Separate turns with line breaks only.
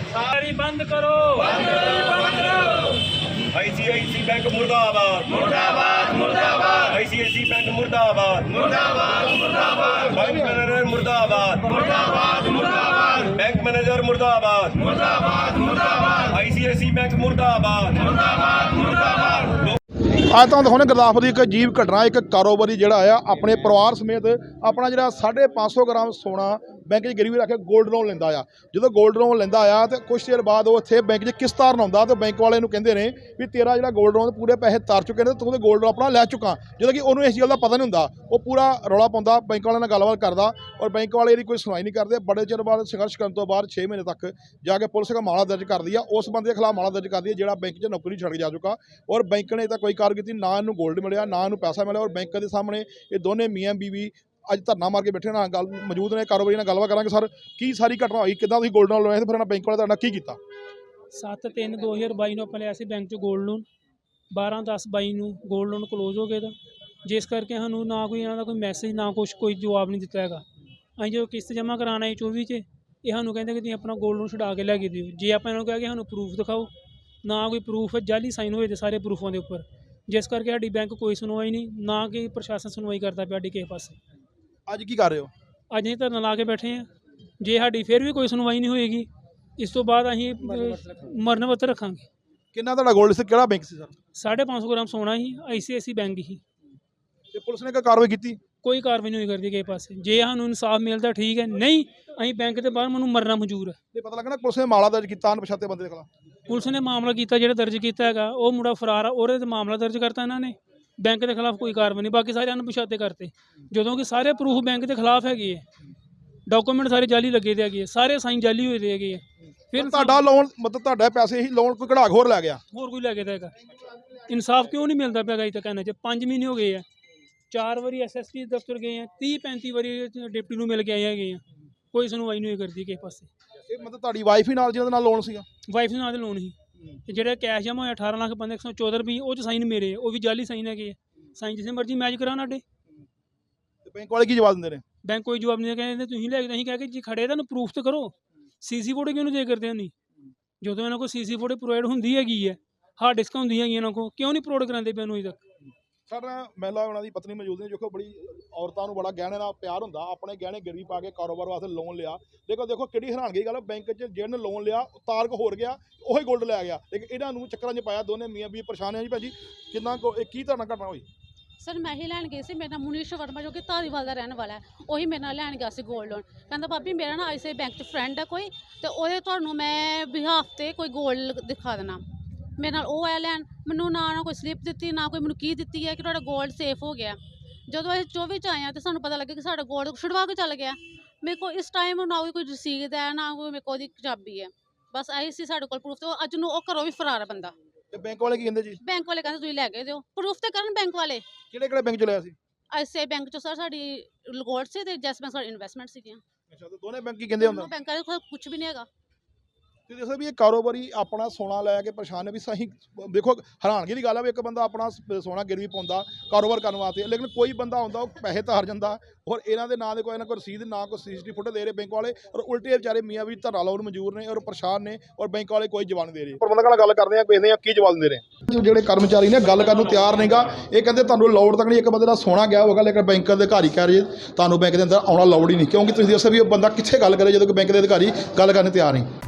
सारी बंद करो।
आईसीआईसी बैंक मुर्दाबाद मुर्दाबाद मुर्दाबाद। आईसीआईसी बैंक मुर्दाबाद मुर्दाबाद मुर्दाबाद। बैंक मैनेजर मुर्दाबाद मुर्दाबाद मुर्दाबाद। बैंक मैनेजर मुर्दाबाद मुर्दाबाद मुर्दाबाद। आईसीआईसी बैंक मुर्दाबाद मुर्दाबाद मुर्दाबाद।
ਅੱਜ ਤੁਹਾਨੂੰ ਦਿਖਾਉਂਦੇ ਗੁਰਦਾਸਪੁਰ ਦੀ ਇੱਕ ਅਜੀਬ ਘਟਨਾ। ਇੱਕ ਕਾਰੋਬਾਰੀ ਜਿਹੜਾ ਆ ਆਪਣੇ ਪਰਿਵਾਰ ਸਮੇਤ ਆਪਣਾ ਜਿਹੜਾ 550 ਗ੍ਰਾਮ ਸੋਨਾ ਬੈਂਕ 'ਚ ਗਿਰਵੀ ਰੱਖ ਕੇ ਗੋਲਡ ਲੋਨ ਲੈਂਦਾ ਆ। ਜਦੋਂ ਗੋਲਡ ਲੋਨ ਲੈਂਦਾ ਆ ਤੇ ਕੁਛ ਚਿਰ ਬਾਅਦ ਉਹ ਇੱਥੇ ਬੈਂਕ 'ਚ ਕਿਸ਼ਤ ਤਾਰਨ ਆਉਂਦਾ ਤੇ ਬੈਂਕ ਵਾਲੇ ਨੂੰ ਕਹਿੰਦੇ ਨੇ ਵੀ ਤੇਰਾ ਜਿਹੜਾ ਗੋਲਡ ਲੋਨ ਪੂਰੇ ਪੈਸੇ ਤਾਰ ਚੁੱਕੇ ਨੇ ਤੇ ਤੂੰ ਤੇ ਗੋਲਡ ਲੋਨ ਆਪਣਾ ਲੈ ਚੁੱਕਾ। ਜਦੋਂ ਕਿ ਉਹਨੂੰ ਇਸ ਗੱਲ ਦਾ ਪਤਾ ਨਹੀਂ ਹੁੰਦਾ, ਉਹ ਪੂਰਾ ਰੌਲਾ ਪਾਉਂਦਾ, ਬੈਂਕ ਵਾਲਿਆਂ ਨਾਲ ਗੱਲਬਾਤ ਕਰਦਾ ਔਰ ਬੈਂਕ ਵਾਲੇ ਇਹਦੀ ਕੋਈ ਸੁਣਵਾਈ ਨਹੀਂ ਕਰਦੇ। ਬੜੇ ਚਿਰ ਬਾਅਦ ਸੰਘਰਸ਼ ਕਰਨ ਤੋਂ ਬਾਅਦ 6 ਮਹੀਨੇ ਤੱਕ ਜਾ ਕੇ ਪੁਲਿਸ ਦਾ ਮਾਮਲਾ ਦਰਜ ਕਰਦੀ ਆ। ਉਸ ਬੰਦੇ ਦੇ ਖਿਲਾਫ ਮਾਮਲਾ ਦਰਜ ਕਰਦੀ ਹੈ ਜਿਹੜਾ ਬੈਂਕ 'ਚ ਨੌਕਰੀ ਛੱਡ ਜਾ ਚੁੱਕਾ ਔਰ ਬੈਂਕ ਨੇ ਤਾਂ ਕੋਈ ਕਾਰਵਾਈ ਕੀਤੀ ਨਾ। ਇਹਨੂੰ ਗੋਲਡ ਮਿਲਿਆ ਨਾ ਇਹਨੂੰ ਪੈਸਾ ਮਿਲਿਆ ਔਰ ਬੈਂਕ ਦੇ ਸਾਹਮਣੇ ਇਹ ਦੋਨੇ ਮੀਆਂ ਬੀਵੀ ਅੱਜ ਧਰਨਾ ਮਾਰ ਕੇ ਬੈਠੇ ਨਾਲ ਗੱਲ ਮੌਜੂਦ ਨੇ। ਕਾਰੋਬਾਰੀ ਨਾਲ ਗੱਲਬਾਤ ਕਰਾਂਗੇ। ਸਰ, ਕੀ ਸਾਰੀ ਘਟਨਾ ਹੋਈ, ਕਿੱਦਾਂ ਤੁਸੀਂ ਗੋਲਡ ਲੋਨ ਲਿਆ ਤੇ ਫਿਰ ਇਹਨਾਂ ਬੈਂਕ ਵਾਲੇ ਤੁਹਾਡਾ ਕੀ ਕੀਤਾ?
7/3/2022 ਨੂੰ ਆਪਾਂ ਲਿਆ ਸੀ ਬੈਂਕ 'ਚ ਗੋਲਡ ਲੋਨ। 12/10/22 ਨੂੰ ਗੋਲਡ ਲੋਨ ਕਲੋਜ਼ ਹੋ ਗਿਆ ਦਾ, ਜਿਸ ਕਰਕੇ ਸਾਨੂੰ ਨਾ ਕੋਈ ਇਹਨਾਂ ਦਾ ਕੋਈ ਮੈਸੇਜ ਨਾ ਕੁਛ ਕੋਈ ਜਵਾਬ ਨਹੀਂ ਦਿੱਤਾ ਹੈਗਾ। ਅਸੀਂ ਜਦੋਂ ਕਿਸ਼ਤ ਜਮ੍ਹਾਂ ਕਰਾਉਣਾ ਹੈ 24 'ਚ, ਇਹ ਸਾਨੂੰ ਕਹਿੰਦੇ ਕਿ ਤੁਸੀਂ ਆਪਣਾ ਗੋਲਡ ਲੋਨ ਛੁਡਾ ਕੇ ਲੈ ਕੇ ਦਿਓ। ਜੇ ਆਪਾਂ ਇਹਨਾਂ ਨੂੰ ਕਿਹਾ ਕਿ ਸਾਨੂੰ ਪ੍ਰੂਫ ਦਿਖਾਓ, ਨਾ ਕੋਈ ਪ੍ਰੂਫ ਜਾਲੀ ਸਾਈਨ ਹੋਏ ਤੇ ਸਾਰੇ ਪ੍ਰੂਫਾਂ ਦੇ ਉੱਪਰ, ਜਿਸ ਕਰਕੇ ਸਾਡੀ ਬੈਂਕ ਕੋਈ ਸੁਣਵਾਈ ਨਹੀਂ, ਨਾ ਕਿ ਪ੍ਰਸ਼ਾਸਨ ਸੁਣਵਾਈ ਕਰਦਾ ਪਿਆ ਸਾਡੀ ਕਿਸੇ ਪਾਸੇ।
ਅੱਜ ਕੀ ਕਰ ਰਹੇ ਹੋ?
ਅੱਜ ਅਸੀਂ ਧਰਨਾ ਲਾ ਕੇ ਬੈਠੇ ਹਾਂ। ਜੇ ਸਾਡੀ ਫਿਰ ਵੀ ਕੋਈ ਸੁਣਵਾਈ ਨਹੀਂ ਹੋਏਗੀ, ਇਸ ਤੋਂ ਬਾਅਦ ਅਸੀਂ ਮਰਨ ਵਰਤ ਰੱਖਾਂਗੇ।
ਕਿੰਨਾ ਤੁਹਾਡਾ ਗੋਲਡ ਸੀ, ਕਿਹੜਾ ਬੈਂਕ ਸੀ ਸਰ?
550 ਗ੍ਰਾਮ ਸੋਨਾ ਹੀ ਆਈਸੀਆਈਸੀ ਬੈਂਕ ਹੀ।
ਤੇ ਪੁਲਿਸ ਨੇ ਕੋਈ ਕਾਰਵਾਈ ਕੀਤੀ?
ਕੋਈ ਕਾਰਵਾਈ ਨਹੀਂ ਹੋਈ ਕਰਦੀ ਕਿਸੇ ਪਾਸੇ। ਜੇ ਸਾਨੂੰ ਇਨਸਾਫ ਮਿਲਦਾ ਠੀਕ ਹੈ, ਨਹੀਂ ਅਸੀਂ ਬੈਂਕ ਦੇ ਬਾਹਰ ਮੈਨੂੰ ਮਰਨਾ ਮਨਜ਼ੂਰ ਹੈ।
ਤੇ ਪਤਾ ਲੱਗਾ ਨਾ ਪੁਲਿਸ ਨੇ ਮਾਮਲਾ ਦਰਜ ਕੀਤਾ ਅਣਪਛਾਤੇ ਬੰਦੇ ਦੇ ਖਿਲਾਫ।
ਪੁਲਿਸ ਨੇ ਮਾਮਲਾ ਕੀਤਾ, ਜਿਹੜਾ ਦਰਜ ਕੀਤਾ ਹੈਗਾ ਉਹ ਮੁੰਡਾ ਫਰਾਰ ਆ, ਉਹਦੇ ਤੇ ਮਾਮਲਾ ਦਰਜ ਕਰਤਾ ਇਹਨਾਂ ਨੇ। ਬੈਂਕ ਦੇ ਖਿਲਾਫ ਕੋਈ ਕਾਰਵਾਈ ਨਹੀਂ, ਬਾਕੀ ਸਾਰੇ ਅਣਪਛਾਤੇ ਕਰਤੇ, ਜਦੋਂ ਕਿ ਸਾਰੇ ਪ੍ਰੂਫ ਬੈਂਕ ਦੇ ਖਿਲਾਫ ਹੈਗੇ ਹੈ। ਡਾਕੂਮੈਂਟ ਸਾਰੇ ਜਾਲੀ ਲੱਗੇ ਦੇ ਹੈਗੇ, ਸਾਰੇ ਸਾਈਨ ਜਾਲੀ ਹੋਏ ਦੇ ਹੈਗੇ। ਫਿਰ
ਤੁਹਾਡਾ ਲੋਨ ਮਤਲਬ ਤੁਹਾਡੇ ਪੈਸੇ ਹੀ ਲੋਨ ਕੋਈ ਕਢਾ ਹੋਰ ਲੈ ਗਿਆ?
ਹੋਰ ਕੋਈ ਲੈ ਕੇ ਹੈਗਾ। ਇਨਸਾਫ ਕਿਉਂ ਨਹੀਂ ਮਿਲਦਾ ਪਿਆ ਅਜੇ ਤੱਕ? ਇਹਨਾਂ 'ਚ 5 ਮਹੀਨੇ ਹੋ ਗਏ ਆ। 4 ਵਾਰੀ ਐਸਐਸਪੀ ਦਫ਼ਤਰ ਗਏ ਆ, 30-35 ਵਾਰੀ ਡਿਪਟੀ ਨੂੰ ਮਿਲ ਕੇ ਆਏ ਹੈਗੇ ਆ। ਕੋਈ ਸੁਣਵਾਈ ਨਹੀਂ ਹੋਈ ਕਰਦੀ ਕਿਸੇ ਪਾਸੇ।
ਇਹ ਮਤਲਬ ਤੁਹਾਡੀ ਵਾਈਫ ਹੀ ਨਾਲ ਜਿਹਦੇ ਨਾਲ ਲੋਨ ਸੀਗਾ?
ਵਾਈਫ ਦੇ ਨਾਂ ਦੇ ਲੋਨ ਸੀ। ਤੇ ਜਿਹੜਾ ਕੈਸ਼ ਜਮ੍ਹਾਂ ਹੋਇਆ 18,114 ਰੁਪਏ, ਉਹ 'ਚ ਸਾਈਨ ਮੇਰੇ, ਉਹ ਵੀ ਜਾਲੀ ਸਾਈਨ ਹੈਗੇ ਆ। ਸਾਈਨ ਜਿਸੇ ਮਰਜ਼ੀ ਮੈਚ ਕਰਾਉਣ ਸਾਡੇ।
ਤੇ ਬੈਂਕ ਵਾਲੇ ਕੀ ਜਵਾਬ ਦਿੰਦੇ ਨੇ?
ਬੈਂਕ ਕੋਈ ਜਵਾਬ ਨਹੀਂ ਕਹਿੰਦੇ ਤੁਸੀਂ ਲੈ ਕੇ, ਅਸੀਂ ਕਹਿ ਕੇ ਜੀ ਖੜੇ ਤੁਹਾਨੂੰ ਪ੍ਰੂਫ ਤਾਂ ਕਰੋ। ਸੀਸੀ ਫੋਟੋ ਕਿਉਂ ਨਹੀਂ ਦੇ ਕਰਦੇ? ਨਹੀਂ, ਜਦੋਂ ਇਹਨਾਂ ਕੋਲ ਸੀਸੀ ਫੋਟੋ ਪ੍ਰੋਵਾਈਡ ਹੁੰਦੀ ਹੈਗੀ ਹੈ, ਹਾਰਡ ਡਿਸਕ ਹੁੰਦੀ ਹੈਗੀ ਇਹਨਾਂ ਕੋਲ, ਕਿਉਂ ਨਹੀਂ ਪ੍ਰੋਵਾਈਡ ਕਰਾਉਂਦੇ ਪਏ ਨੂੰ ਅਜੇ ਤੱਕ?
ਸਰ, ਮਹਿਲਾ ਉਹਨਾਂ ਦੀ ਪਤਨੀ ਮੌਜੂਦ ਨੇ, ਜੋ ਬੜੀ ਔਰਤਾਂ ਨੂੰ ਬੜਾ ਗਹਿਣੇ ਨਾਲ ਪਿਆਰ ਹੁੰਦਾ, ਆਪਣੇ ਗਹਿਣੇ ਗਿਰਵੀ ਪਾ ਕੇ ਕਾਰੋਬਾਰ ਵਾਸਤੇ ਲੋਨ ਲਿਆ। ਦੇਖੋ ਕਿਹੜੀ ਹੈਰਾਨਗੀ ਗੱਲ, ਬੈਂਕ 'ਚ ਜਿਹਨੇ ਲੋਨ ਲਿਆ ਉਹ ਤਾਰਕ ਹੋਰ ਗਿਆ, ਉਹੀ ਗੋਲਡ ਲੈ ਗਿਆ। ਲੇਕਿਨ ਇਹਨਾਂ ਨੂੰ ਚੱਕਰਾਂ 'ਚ ਪਾਇਆ। ਦੋਨੇ ਮੀਆਂ ਵੀ ਪਰੇਸ਼ਾਨ ਹੈ ਜੀ। ਭਾਜੀ, ਕਿੰਨਾ ਕੀ ਧਰਨਾ ਘਟਨਾ ਹੋਈ?
ਸਰ, ਮੈਂ ਹੀ ਲੈਣ ਗਈ ਸੀ। ਮੇਰਾ ਨਾਮ ਮੁਨੀਸ਼ ਵਰਮਾ, ਜੋ ਕਿ ਧਾਰੀਵਾਲ ਦਾ ਰਹਿਣ ਵਾਲਾ ਹੈ, ਉਹੀ ਮੇਰੇ ਨਾਲ ਲੈਣ ਗਿਆ ਸੀ ਗੋਲਡ ਲੋਨ। ਕਹਿੰਦਾ ਭਾਬੀ ਮੇਰਾ ਨਾ ਆਈਸੀਆਈ ਬੈਂਕ 'ਚ ਫਰੈਂਡ ਹੈ ਕੋਈ, ਤੇ ਉਹਦੇ ਤੁਹਾਨੂੰ ਮੈਂ ਬਿਹਾਫ 'ਤੇ ਕੋਈ ਗੋਲਡ ਦਿਖਾ ਦੇਣਾ। ਮੇਰੇ ਨਾਲ ਉਹ ਆਇਆ ਲੈਣ, ਮੈਨੂੰ ਨਾ ਕੋਈ ਸਲਿੱਪ ਦਿੱਤੀ, ਨਾ ਕੋਈ ਮੈਨੂੰ ਕੀ ਦਿੱਤੀ ਹੈ ਕਿ ਤੁਹਾਡਾ ਗੋਲਡ ਸੇਫ ਹੋ ਗਿਆ। ਜਦੋਂ ਅਸੀਂ 24 'ਚ ਆਏ ਹਾਂ ਤਾਂ ਸਾਨੂੰ ਪਤਾ ਲੱਗਿਆ ਕਿ ਸਾਡਾ ਗੋਲਡ ਛੁਡਵਾ ਕੇ ਚੱਲ ਗਿਆ। ਮੇਰੇ ਕੋਲ ਇਸ ਟਾਈਮ ਨਾ ਕੋਈ ਰਸੀਦ ਹੈ, ਨਾ ਕੋਈ ਮੇਰੇ ਕੋਲ ਉਹਦੀ ਚਾਬੀ ਹੈ। ਬਸ ਆਹੀ ਸੀ ਸਾਡੇ ਕੋਲ ਪ੍ਰੂਫ। ਤੇ ਅੱਜ ਨੂੰ ਉਹ ਘਰੋਂ ਵੀ ਫਰਾਰ ਹੈ ਬੰਦਾ।
ਤੇ ਬੈਂਕ ਵਾਲੇ ਕੀ ਕਹਿੰਦੇ ਜੀ?
ਬੈਂਕ ਵਾਲੇ ਕਹਿੰਦੇ ਤੁਸੀਂ ਲੈ ਕੇ ਦਿਓ, ਪ੍ਰੂਫ ਤੇ ਕਰਨ ਬੈਂਕ ਵਾਲੇ।
ਕਿਹੜੇ ਬੈਂਕ 'ਚ ਲਿਆ ਸੀ?
ਆਈਸੀਆਈ ਬੈਂਕ 'ਚ ਸਰ ਸਾਡੀ ਗੋਲਡ ਸੀ ਤੇ ਜੈਸ ਬੈਂਕ ਸਾਡੀ ਇਨਵੈਸਟਮੈਂਟ ਸੀਗੀਆਂ।
ਅੱਛਾ, ਤੇ ਦੋਨੇ ਬੈਂਕ ਕੀ ਕਹਿੰਦੇ ਹੁੰਦਾ?
ਬੈਂਕਾਂ ਦੇ ਕੁਝ ਵੀ ਨਹੀਂ ਹੈਗਾ।
ਤੇ ਦੱਸੋ ਵੀ ਇਹ ਕਾਰੋਬਾਰੀ ਆਪਣਾ ਸੋਨਾ ਲੈ ਕੇ ਪਰੇਸ਼ਾਨ ਹੈ ਵੀ ਸਹੀ। ਦੇਖੋ ਹੈਰਾਨਗੀ ਦੀ ਗੱਲ ਹੈ ਵੀ ਇੱਕ ਬੰਦਾ ਆਪਣਾ ਸੋਨਾ ਗਿਰਵੀ ਪਾਉਂਦਾ ਕਾਰੋਬਾਰ ਕਰਨ ਵਾਸਤੇ, ਲੇਕਿਨ ਕੋਈ ਬੰਦਾ ਹੁੰਦਾ ਉਹ ਪੈਸੇ ਤਾਰ ਜਾਂਦਾ ਔਰ ਇਹਨਾਂ ਦੇ ਨਾਂ ਦੇ ਕੋਈ ਨਾ ਕੋਈ ਰਸੀਦ, ਨਾ ਕੋਈ ਸੀਸੀਟੀਵੀ ਫੁਟੇਜ ਦੇ ਰਹੇ ਬੈਂਕ ਵਾਲੇ, ਔਰ ਉਲਟੇ ਵਿਚਾਰੇ ਮੀਆਂ ਵੀ ਧਰਨਾ ਲਾਉਣ ਮਨਜ਼ੂਰ ਨੇ ਔਰ ਪਰੇਸ਼ਾਨ ਨੇ ਔਰ ਬੈਂਕ ਵਾਲੇ ਕੋਈ ਜਵਾਬ ਨਹੀਂ ਦੇ ਰਹੇ। ਪ੍ਰਬੰਧਕਾਂ ਨਾਲ ਗੱਲ ਕਰਦੇ ਆ, ਵੇਖਦੇ ਆ ਕੀ ਜਵਾਬ ਦਿੰਦੇ ਨੇ। ਜਿਹੜੇ ਕਰਮਚਾਰੀ ਨੇ ਗੱਲ ਕਰਨ ਨੂੰ ਤਿਆਰ ਨਹੀਂਗਾ। ਇਹ ਕਹਿੰਦੇ ਤੁਹਾਨੂੰ ਲੋੜ ਤੱਕ ਨਹੀਂ, ਇੱਕ ਬੰਦੇ ਦਾ ਸੋਨਾ ਗਿਆ ਹੋਗਾ, ਲੇਕਿਨ ਬੈਂਕ ਦੇ ਅਧਿਕਾਰੀ ਕਹਿ ਰਹੇ ਤੁਹਾਨੂੰ ਬੈਂਕ ਦੇ ਅੰਦਰ ਆਉਣਾ ਲੋੜ ਹੀ ਨਹੀਂ, ਕਿਉਂਕਿ ਤੁਸੀਂ ਦੱਸੋ ਵੀ ਉਹ ਬੰਦਾ ਕਿੱਥੇ ਗੱਲ ਕਰੇ ਜਦੋਂ ਕਿ ਬੈਂਕ ਦੇ ਅਧਿਕਾਰੀ ਗੱਲ ਕਰਨ ਤਿਆਰ ਨਹੀਂ।